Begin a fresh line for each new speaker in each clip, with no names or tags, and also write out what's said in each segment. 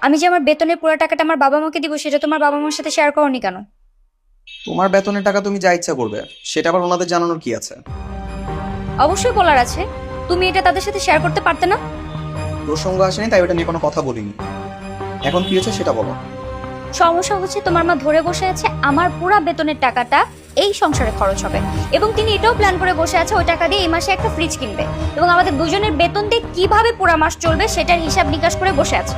আমি যে আমার বেতনের পুরো টাকাটা আমার বাবা মাকে দিব সেটা তোমার বাবা মার সাথে শেয়ার করোনি কেন?
তোমার বেতনের টাকা তুমি যা ইচ্ছা করবে, সেটা আবার ওনাদের জানানোর কি আছে?
অবশ্যই বলার আছে। তুমি এটা তাদের সাথে শেয়ার করতে পারতে না?
প্রসঙ্গ আসেনি তাই ওটা নিয়ে কোনো কথা বলিনি। এখন কি হয়েছে সেটা বলো।
সমস্যা হচ্ছে তোমার মা ধরে বসে আছে আমার পুরো বেতনের টাকাটা এই সংসারে খরচ হবে, এবং তিনি এটাও প্ল্যান করে বসে আছে ওই টাকা দিয়ে এই মাসে একটা ফ্রিজ কিনবে, এবং আমাদের দুজনের বেতন দিয়ে কিভাবে পুরো মাস চলবে সেটার হিসাব নিকাশ করে বসে আছে।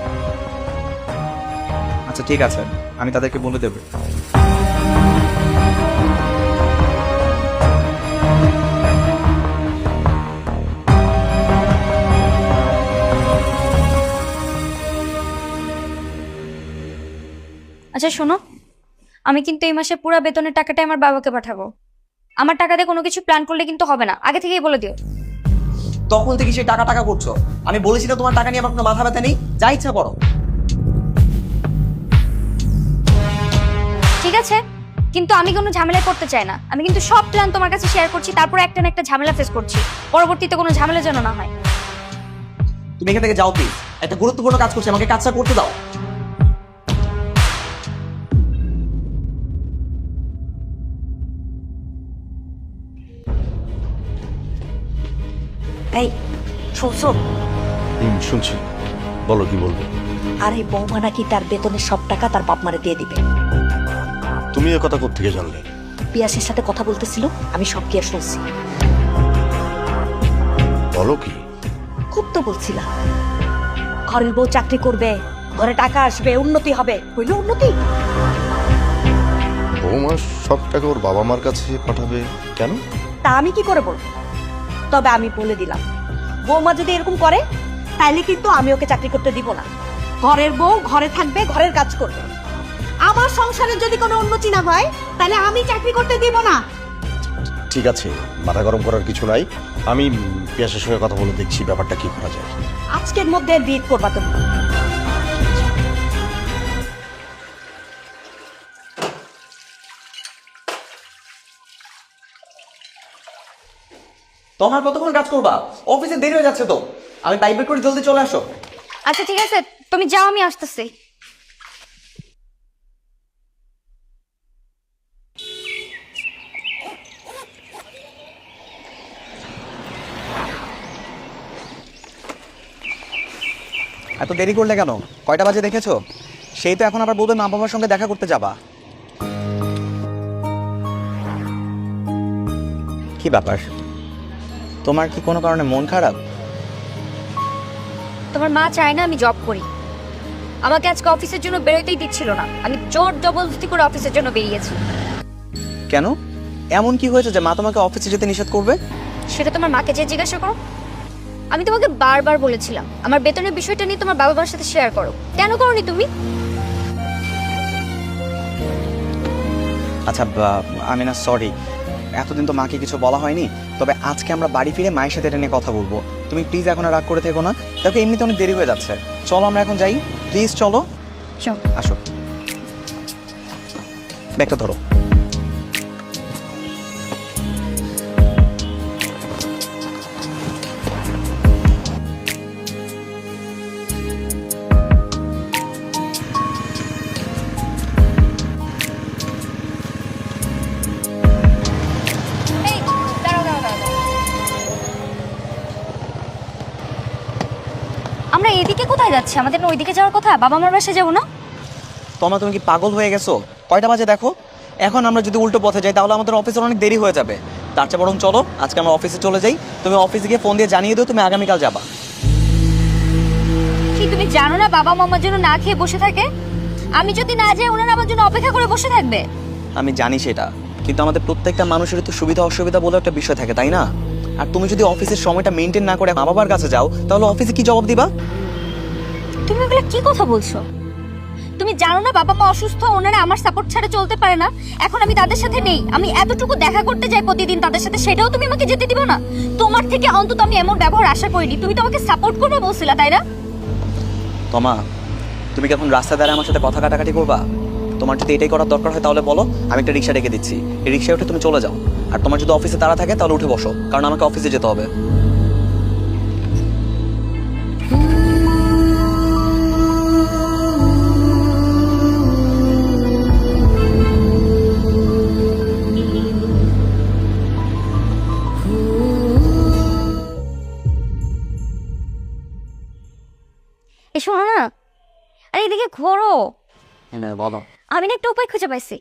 আচ্ছা ঠিক আছে, আমি তাদেরকে বলে দেবো।
আচ্ছা শোনো, আমি কিন্তু এই মাসে পুরো বেতনের টাকাটা আমার বাবাকে পাঠাবো। আমার টাকা দিয়ে কোনো কিছু প্ল্যান করলে কিন্তু হবে না, আগে থেকেই বলে দিও।
তখন থেকে সেই টাকা টাকা করছো। আমি বলেছি না তোমার টাকা নিয়ে আমার কোনো মাথা ব্যথা নেই, যা ইচ্ছা করো।
ঠিক আছে, কিন্তু আমি কোনো ঝামেলায় পড়তে চাই না। আমি কিন্তু সব প্ল্যান তোমার কাছে শেয়ার করছি, তারপর একটা না একটা ঝামেলা ফেস করছি। পরবর্তীতে কোনো ঝামেলা যেন না হয়।
তুমি এখান থেকে যাও প্লিজ, একটা গুরুত্বপূর্ণ কাজ করছি, আমাকে কাজটা করতে দাও।
এই শুনছো?
শুনছি, বলো কি বলবে।
আর এই বৌমা নাকি তার বেতনের সব টাকা তার বাপ মারে দিয়ে দিবে।
তুমি এ কথা কোত্থেকে জানলে?
পিয়াসের সাথে কথা বলতেছিল, আমি সব গিয়ে শুনছি।
বলো কি?
খুব তো বলছিলাম ঘরের বউ চাকরি করবে, ঘরে টাকা আসবে, উন্নতি হবে। হইল উন্নতি?
বৌমা সব টাকা ওর বাবা মার কাছে পাঠাবে কেন?
তা আমি কি করে বলবো? তবে আমি বলে দিলাম, বৌমা যদি এরকম করে তাইলে কিন্তু আমি ওকে চাকরি করতে দিব না। ঘরের বউ ঘরে থাকবে, ঘরের কাজ করবে। আমার সংসারে যদি কোনো উন্নতি না হয় তাহলে আমি চাকরি করতে দিব না।
ঠিক আছে, মাথা গরম করার কিছু নাই। আমি পিয়াসের সঙ্গে কথা বলে দেখছি ব্যাপারটা কি করা যায়।
আজকের মধ্যে বিয়ে করবা তুমি।
তোমার কতক্ষণ কাজ করবা? অফিসে দেরি হয়ে যাচ্ছে তো। আমি পাইপ বের করে জলদি চলে আসো।
আচ্ছা ঠিক আছে, তুমি যাও, আমি আসতেছি।
এত দেরি করলে কেন? কয়টা বাজে দেখেছো? সেই তো এখন আবার বলবে মা বাবার সঙ্গে দেখা করতে যাবা। কি ব্যাপার, তোমার কি কোনো কারণে মন খারাপ?
তোমার মা চায় না আমি জব করি। আমাকে আজকে অফিসের জন্য বেরোতেই দিচ্ছিল না, আমি জোর জবরদস্তি করে অফিসের জন্য বেরিয়েছি।
কেন, এমন কি হয়েছে যে মা তোমাকে অফিসে যেতে নিষেধ করবে?
সেটা তোমার মাকে যে জিজ্ঞাসা করো। আমি তোমাকে বারবার বলেছিলাম আমার বেতনের বিষয়টা নিয়ে তোমার বাবা মার সাথে শেয়ার করো, কেন করোনি তুমি?
আচ্ছা আমি না সরি, এতদিন তো মাকে কিছু বলা হয়নি। তবে আজকে আমরা বাড়ি ফিরে মায়ের সাথে এটা নিয়ে কথা বলবো। তুমি প্লিজ এখন আর রাগ করে থেকো না, দেখো এমনিতে অনেক দেরি হয়ে যাচ্ছে। চলো আমরা এখন যাই, প্লিজ চলো।
চল।
আসো, ব্যাগটা ধরো।
এই, দাঁড়াও, দাঁড়াও, দাঁড়াও। আমরা এদিকে কোথায় যাচ্ছি? আমাদের না ওইদিকে যাওয়ার কথা, বাবা মার বাসায় যাবো না?
তোমরা তুমি কি পাগল হয়ে গেছো? কয়টা বাজে দেখো। এখন আমরা যদি উল্টো পথে যাই তাহলে আমাদের অফিসের অনেক দেরি হয়ে যাবে। তার চেয়ে বরং চলো আজকে আমরা অফিসে চলে যাই। তুমি অফিসে গিয়ে ফোন দিয়ে জানিয়ে দিও তুমি আগামীকাল যাবা।
কি তুমি জানো না বাবা মামার জন্য না খেয়ে বসে থাকে? আমি যদি না যাই ওনারা আমার জন্য অপেক্ষা করে বসে থাকবে।
আমি জানি সেটা, কিন্তু আমাদের প্রত্যেকটা মানুষের তো সুবিধা অসুবিধা বলে একটা বিষয় থাকে, তাই না? আর তুমি যদি অফিসের সময়টা মেনটেন না করে মা বাবার কাছে যাও তাহলে অফিসে কি জবাব দিবা?
তুমি এগুলো কি কথা বলছো? তুমি জানো না বাবা মা অসুস্থ, ওনারা আমার সাপোর্ট ছাড়া চলতে পারে না। এখন আমি তাদের সাথে নেই, আমি এতটুকু দেখা করতে যাই প্রতিদিন তাদের সাথে, সেটাও তুমি আমাকে যেতে দিবা না? তোমার থেকে অন্তত আমি এমন ব্যবহার আশা করিনি। তুমি তো আমাকে সাপোর্ট করবে বলছিলা, তাই না?
তোমা, তুমি কি এখন রাস্তা দ্বারা আমার সাথে কথা কাটাকাটি করবা? তোমার যদি এটাই করার দরকার হয় তাহলে বলো, আমি একটা রিক্সা ডেকে দিচ্ছি, এই রিক্সায় উঠে তুমি চলে যাও। আর তোমার যদি অফিসে তাড়া থাকে তাহলে উঠে বসো, কারণ আমাকে অফিসে যেতে হবে।
শোনো না, আরে এদিকে ঘোরো।
হ্যাঁ বলো,
আমি না একটা উপায় খুঁজে পাইছি।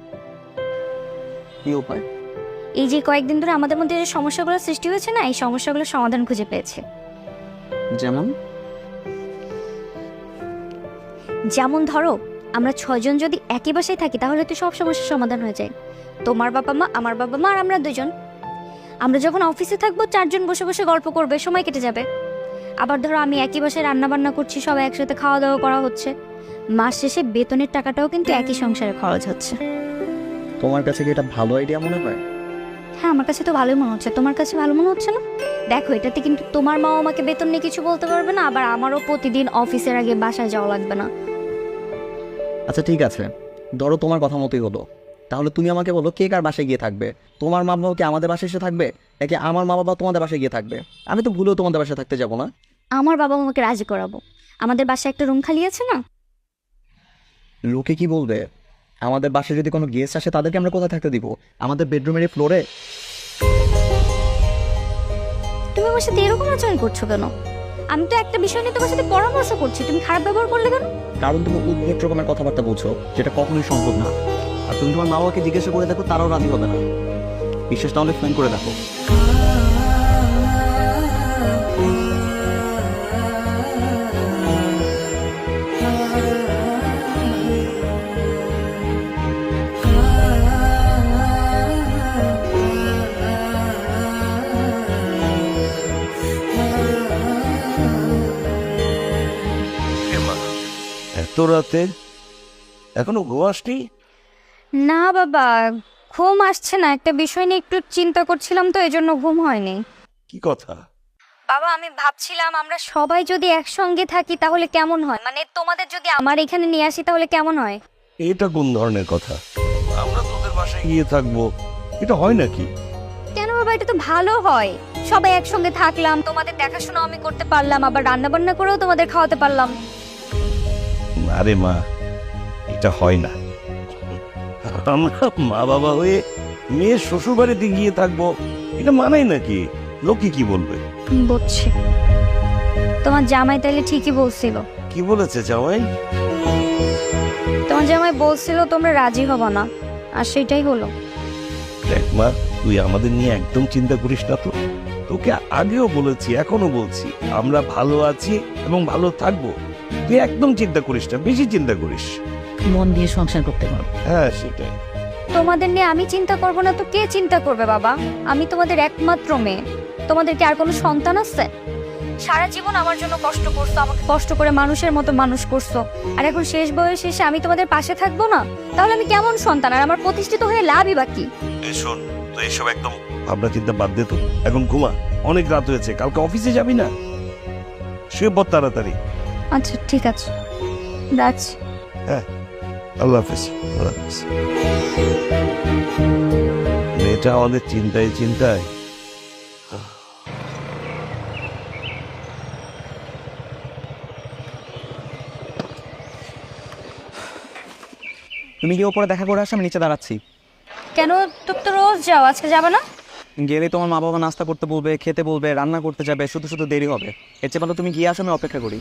কি উপায়?
এই যে কয়েকদিন ধরে আমাদের মধ্যে যে সমস্যাগুলো সৃষ্টি হয়েছে না, এই সমস্যাগুলোর সমাধান খুঁজে পেয়েছে।
যেমন?
যেমন ধরো, আমরা 6 জন যদি একই বাসায় থাকি তাহলে তো সব সমস্যার সমাধান হয়ে যায়। তোমার বাবা মা, আমার বাবা মা আর আমরা 2 জন। আমরা যখন অফিসে থাকবো 4 জন বসে বসে গল্প করবে, সময় কেটে যাবে। আবার ধরো আমি একই বাসায় রান্না বান্না করছি, সবাই একসাথে খাওয়া দাওয়া করা হচ্ছে, মাস শেষে বেতনের টাকাটাও কিন্তু একই সংসারে খরচ হচ্ছে।
তোমার কাছে কি এটা ভালো আইডিয়া মনে হয়?
হ্যাঁ, আমার কাছে তো ভালোই মনে হচ্ছে। তোমার কাছে ভালো মনে হচ্ছে না? দেখো, এটাতে কিন্তু তোমার মাও আমাকে বেতন নিয়ে কিছু বলতে পারবে না, আবার আমারও প্রতিদিন অফিসের আগে বাসায় যাওয়া লাগবে না।
আচ্ছা ঠিক আছে, ধরো তোমার কথা মতোই হলো। তাহলে তুমি আমাকে বলো, কে কার বাসায় গিয়ে থাকবে? তোমার মা বাবা কি আমাদের বাসায় এসে থাকবে, নাকি আমার মা বাবা তোমাদের বাসায় গিয়ে থাকবে? আমি তো ভুলেও তোমাদের বাসায় থাকতে যাবো না।
আমার বাবা আমাকে রাজি করাবো। আমাদের বাসায় একটা রুম খালি আছে না?
লোকে কি বলবে? আমাদের বাসায় যদি কোনো গেস্ট আসে তাদেরকে আমরা কোথায় থাকতে দিব? আমাদের বেডরুমের ফ্লোরে?
তুমি আমার সাথে এরকম আচরণ করছো কেন? আমি তো একটা বিষয় নিয়ে তোমার সাথে পরামর্শ করছি, তুমি খারাপ ব্যবহার করলে কেন?
কারণ তুমি উদ্ভট রকমের কথাবার্তা বলছো, যেটা কখনোই সম্ভব না। আর তুমি তোমার মা বাবাকে জিজ্ঞাসা করে দেখো, তারাও রাজি হবে না। বিশ্বাস না হলে ফোন করে দেখো।
এত রাতে এখনো ঘুমাসনি?
না বাবা, ঘুম আসছে না। একটা বিষয় নিয়ে একটু চিন্তা করছিলাম, তো এজন্য ঘুম হয়নি।
কি কথা?
বাবা, আমি ভাবছিলাম আমরা সবাই যদি একসঙ্গে থাকি তাহলে কেমন হয়, মানে তোমাদের যদি আমার এখানে নিয়ে আসি তাহলে কেমন হয়?
এটা কোন ধরনের কথা? আমরা তোদের বাসায় গিয়ে থাকবো, এটা হয় নাকি?
কেন বাবা, এটা তো ভালো হয়। সবাই একসঙ্গে থাকলাম, তোমাদের দেখাশোনা আমি করতে পারলাম, আবার রান্না বান্না করেও তোমাদের খাওয়াতে পারলাম।
আরে মা, এটা হয় না। আমরা মা বাবা হয়ে মেয়ের শ্বশুর বাড়িতে গিয়ে থাকবো, এটা মানাই নাকি? লোকে কি বলবে?
বুঝছি, তোমার জামাই তাইলে ঠিকই বলছিল।
কি বলেছে জামাই?
তোমার জামাই বলছিল তোমরা রাজি হবো না, আর সেটাই হলো।
দেখ মা, তুই আমাদের নিয়ে একদম চিন্তা করিস না তো। তোকে আগেও বলেছি, এখনো বলছি, আমরা ভালো আছি এবং ভালো থাকবো। তুই একদম চিন্তা করিস না, বেশি চিন্তা করিস।
মন দিয়ে সংসার করতে পারো।
হ্যাঁ সেটাই।
তোমাদের নিয়ে আমি চিন্তা করবো না তো কে চিন্তা করবে বাবা? আমি তোমাদের একমাত্র মেয়ে। তোমাদের কি আর কোনো সন্তান আছে? সারা জীবন আমার জন্য কষ্ট করছো, আমাকে কষ্ট করে মানুষের মতো মানুষ করছো, আর এখন শেষ বয়সে এসে আমি তোমাদের পাশে থাকবো না? তাহলে আমি কেমন সন্তান, আর আমার প্রতিষ্ঠিত হয়ে লাভই বাকি?
এই শোন, তো এসব একদম ভাবনা চিন্তা বাদ দে তো, এখন ঘুমা। অনেক রাত হয়েছে, কালকে অফিসে যাবি না? শুয়ে পড় তাড়াতাড়ি।
আচ্ছা ঠিক আছে, রাখছি।
হ্যাঁ, আল্লাহ হাফেজ। আল্লাহ হাফেজ। মেয়েটা আমাদের চিন্তায় চিন্তায়।
তুমি কি ওপরে দেখা করে আসো? আমি নিচে দাঁড়াচ্ছি।
কেন, তুমি তো রোজ যাও, আজকে যাবে না?
গেলে তোমার মা বাবা নাস্তা করতে বলবে, খেতে বলবে, রান্না করতে যাবে, শুধু শুধু দেরি হবে। এর চেয়ে ভালো তুমি গিয়ে আসো, আমি অপেক্ষা করি।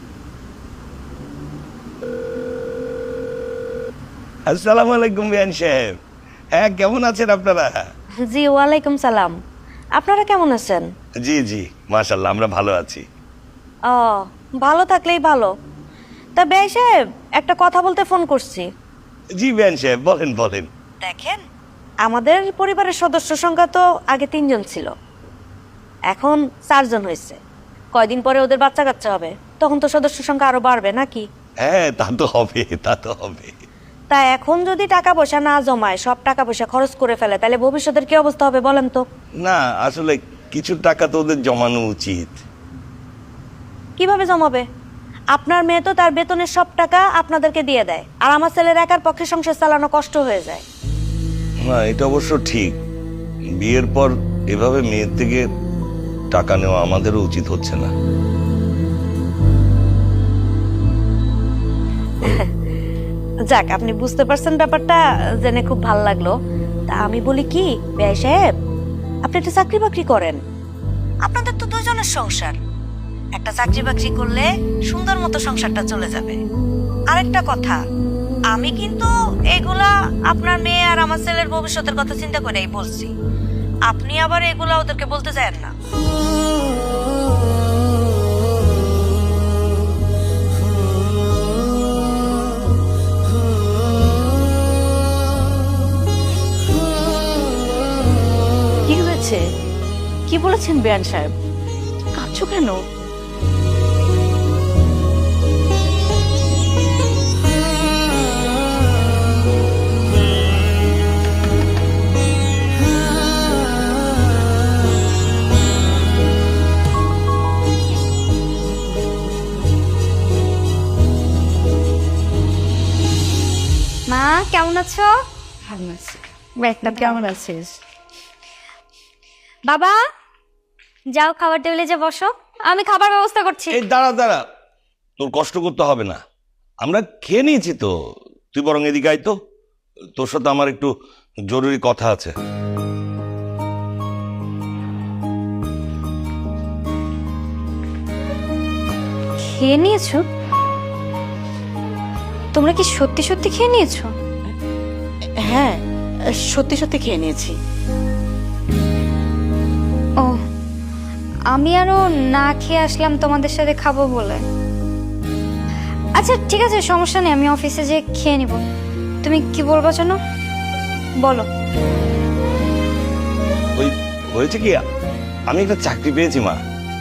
আসসালামু আলাইকুম বিয়ান সাহেব। হ্যাঁ, কেমন আছেন আপনারা?
জি, ওয়ালাইকুম সালাম। আপনারা কেমন আছেন?
জি জি, মাশাআল্লাহ, আমরা ভালো আছি।
ও, ভালো থাকলেই ভালো। তা বেয়াই সাহেব, একটা কথা বলতে ফোন করছি।
জি বিয়ান সাহেব, বলেন বলেন।
দেখেন, আমাদের পরিবারের সদস্য সংখ্যা তো আগে 3 জন ছিল, এখন 4 জন হয়েছে। কয়দিন পরে ওদের বাচ্চা কাচ্চা হবে, তখন তো সদস্য সংখ্যা আরো বাড়বে নাকি?
হ্যাঁ, তা তো হবে, তা তো হবে।
তা এখন যদি টাকা পয়সা না জমায়, সব টাকা পয়সা খরচ করে ফেলে, তাহলে ভবিষ্যতের কি অবস্থা হবে বলেন তো?
না, আসলে কিছু টাকা তো ওদের জমানো উচিত।
কিভাবে জমাবে? আপনার মেয়ে তো তার বেতনের সব টাকা আপনাদেরকে দিয়ে দেয়, আর আমার ছেলের একার পক্ষে সংসার চালানো কষ্ট হয়ে যায়।
না, এটা অবশ্য ঠিক। বিয়ের পর এভাবে মেয়ের থেকে টাকা নেওয়া আমাদেরও উচিত হচ্ছে না।
যাক, আপনি বুঝতে পারছেন ব্যাপারটা, জেনে খুব ভালো লাগলো। তা আমি বলি কি বেয়াই সাহেব, আপনি একটা চাকরি বাকরি করেন, আপনাদের তো 2 জনের সংসার। একটা চাকরি বাকরি করলে সুন্দর মতো সংসারটা চলে যাবে। আরেকটা কথা, আমি কিন্তু এগুলা আপনার মেয়ে আর আমার ছেলের ভবিষ্যতের কথা চিন্তা করেই বলছি। আপনি আবার এগুলা ওদেরকে বলতে যায়েন না।
কি হয়েছে? কি বলেছেন বেয়ান সাহেব? কাঁদছো কেন?
মা কেমন আছো?
ভালো আছি।
ব্যাগটা
কেমন আছিস?
বাবা যাও খাবার টেবিলে যে বসো, আমি খাবার ব্যবস্থা করছি।
এই দাঁড়া দাঁড়া, তোর কষ্ট করতে হবে না, আমরা খেয়ে নিয়েছি তো। তুই বরং এদিকে আয় তো, তোর সাথে আমার একটু জরুরি কথা আছে।
খেয়ে নিয়েছো? তোমরা কি সত্যি সত্যি খেয়ে নিয়েছো?
হ্যাঁ, সত্যি সত্যি খেয়ে নিয়েছি।
ও, আমি আরো না খেয়ে আসলাম তোমাদের সাথে খাবো বলে। আচ্ছা ঠিক আছে, সমস্যা নেই, আমি অফিসে যেয়ে খেয়ে নিব। তুমি কি বলবা জানো? বলো।
ওই হয়েছে কি, আমি একটা চাকরি পেয়েছি মা,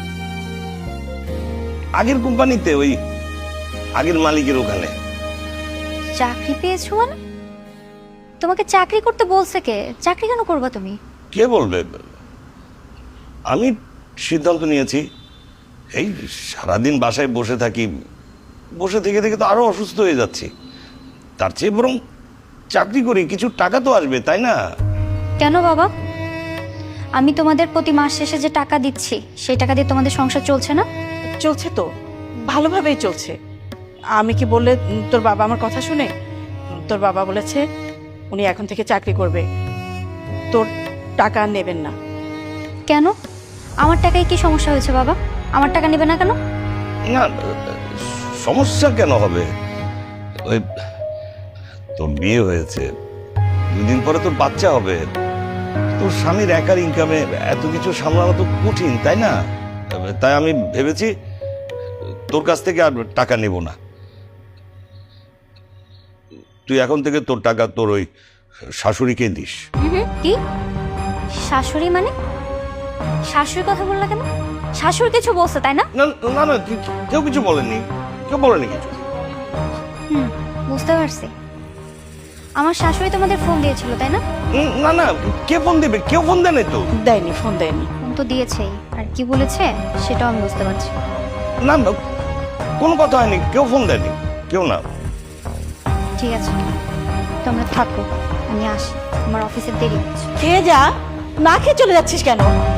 আগের কোম্পানিতে, ওই আগের মালিকের ওখানে।
চাকরি পেয়েছো মানে? তোমাকে চাকরি করতে বলছে কে? চাকরি কেন করবা তুমি?
কে বলবে? আমি সিদ্ধান্ত নিয়েছি। এই সারাদিন বাসায় বসে থাকি, বসে থেকে থেকে তো আরো অসুস্থ হয়ে যাচ্ছি। তার চেয়ে বরং চাকরি করি, কিছু টাকা তো আসবে, তাই না?
কেন বাবা? আমি তোমাদের প্রতি মাস শেষে যে টাকা দিচ্ছি, সেই টাকা দিয়ে তোমাদের সংসার চলছে না?
চলছে তো, ভালোভাবেই চলছে। আমি কি বললে তোর বাবা আমার কথা শুনে? তোর বাবা বলেছে উনি এখন থেকে চাকরি করবে, তোর টাকা আর নেবেন না।
কেন? আমার টাকায় কি সমস্যা হয়েছে বাবা? আমার টাকা নেবে না কেন?
না, সমস্যা কেন হবে? ওই তোর বিয়ে হয়েছে, 2 দিন পরে তোর বাচ্চা হবে, তোর স্বামীর একার ইনকামে এত কিছু সামলানো তো কঠিন, তাই না? তাই আমি ভেবেছি তোর কাছ থেকে আর টাকা নেব না। তুই এখন থেকে তোর টাকা তোর ওই শাশুড়িকে দিস।
কি শাশুড়ি মানে? শাশুড়ির কথা বললা কেন? শাশুড়ি কিছু বলছে তাই না?
না না না, কেউ কিছু বলেনি, কেউ বলেনি কিছু।
বুঝতে পারছি। আমার শাশুড়ি তোমাদের ফোন দিয়েছিল তাই না?
না না, কে ফোন দেবে? কেউ ফোন দেয় নাই তো।
দেয়নি, ফোন দেয়নি।
ফোন তো দিয়েছেই, আর কি বলেছে সেটাও আমি বুঝতে পারছি।
না না, কোনো কথা হয়নি, কেউ ফোন দেয়নি, কেউ না।
ঠিক আছে, তোমরা থাকো, আমি আসি, আমার অফিসের দেরি হচ্ছে।
খেয়ে যা, না খেয়ে চলে যাচ্ছিস কেন?